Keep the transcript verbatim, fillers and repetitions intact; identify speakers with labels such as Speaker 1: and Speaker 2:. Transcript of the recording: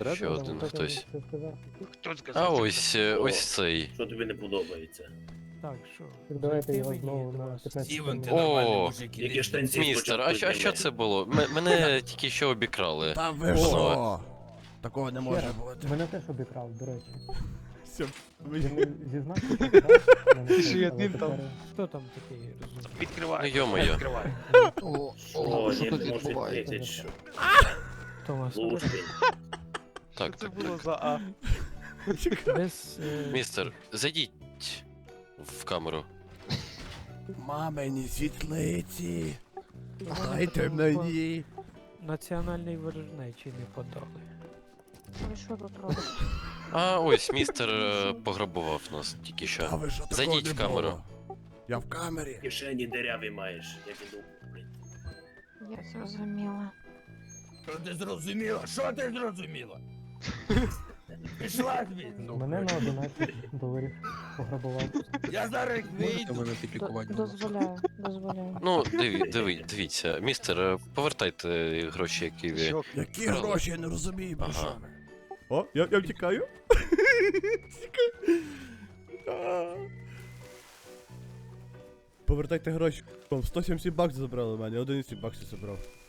Speaker 1: Ще один хтось.
Speaker 2: Хто сказав?
Speaker 1: А
Speaker 2: що
Speaker 1: ось, е,
Speaker 3: О.
Speaker 1: ось цей.
Speaker 3: Що тобі не подобається?
Speaker 4: Так, що?
Speaker 5: Так давайте
Speaker 4: Зайти
Speaker 5: його
Speaker 4: мені
Speaker 5: знову
Speaker 4: до
Speaker 5: на
Speaker 4: вас.
Speaker 5: п'ятнадцять
Speaker 6: Стівен, ти
Speaker 1: О,
Speaker 6: нормальний мужик, іди
Speaker 3: Які штанці
Speaker 1: Містер, а що, а що це було? М- мене тільки що обікрали.
Speaker 6: Та ви
Speaker 1: О.
Speaker 6: що? Такого не
Speaker 5: Ще
Speaker 6: може
Speaker 5: раз,
Speaker 6: бути.
Speaker 5: мене теж обікрав, до речі.
Speaker 6: Все,
Speaker 5: Він зізнався, що вкрав, мене теж,
Speaker 2: Ще
Speaker 5: але
Speaker 2: один там.
Speaker 5: тепер-
Speaker 4: Хто там такий розумний?
Speaker 2: Відкривай.
Speaker 1: Ну, йо-моє.
Speaker 2: Відкривай.
Speaker 7: О,
Speaker 3: Що,
Speaker 7: о,
Speaker 3: ні,
Speaker 7: що
Speaker 3: не
Speaker 7: тут
Speaker 3: можеш
Speaker 7: відбувається?
Speaker 3: відкрити, що?
Speaker 4: Томас,
Speaker 3: Лужки.
Speaker 1: Так, так, так.
Speaker 2: за А?
Speaker 4: без... е,
Speaker 1: Містер, зайдіть в камеру.
Speaker 6: Мамині світлиці.
Speaker 4: вони
Speaker 6: Дайте
Speaker 4: там
Speaker 6: мені.
Speaker 4: Національний ворожнечий не подали.
Speaker 8: Ви що тут робите?
Speaker 1: А ось містер е, пограбував нас тільки
Speaker 6: Та
Speaker 1: що.
Speaker 6: ви що, такого
Speaker 1: Зайдіть
Speaker 6: не
Speaker 1: в камеру.
Speaker 6: було? Я в камері.
Speaker 3: Кишені диряві маєш, як іду. блін.
Speaker 8: Я зрозуміла.
Speaker 6: Що ти зрозуміла? Що ти зрозуміла? Пішла звідси.
Speaker 5: Мене на одинадцять доларів пограбував.
Speaker 6: Я зараз
Speaker 7: Можете
Speaker 6: вийду.
Speaker 7: мене
Speaker 8: Д-
Speaker 7: підлікувати? будь ласка?
Speaker 8: Дозволяю, дозволяю.
Speaker 1: Ну, диві, диві, дивіться, містер, е, повертайте гроші, які ви.
Speaker 2: Що?
Speaker 6: Які
Speaker 1: Правда.
Speaker 6: гроші, я не розумію, про
Speaker 1: Ага.
Speaker 6: що ви. О, я, я втікаю. Тікаю. А. Повертайте гроші. сто сімдесят баксів забрали в мене, одинадцять баксів забрав.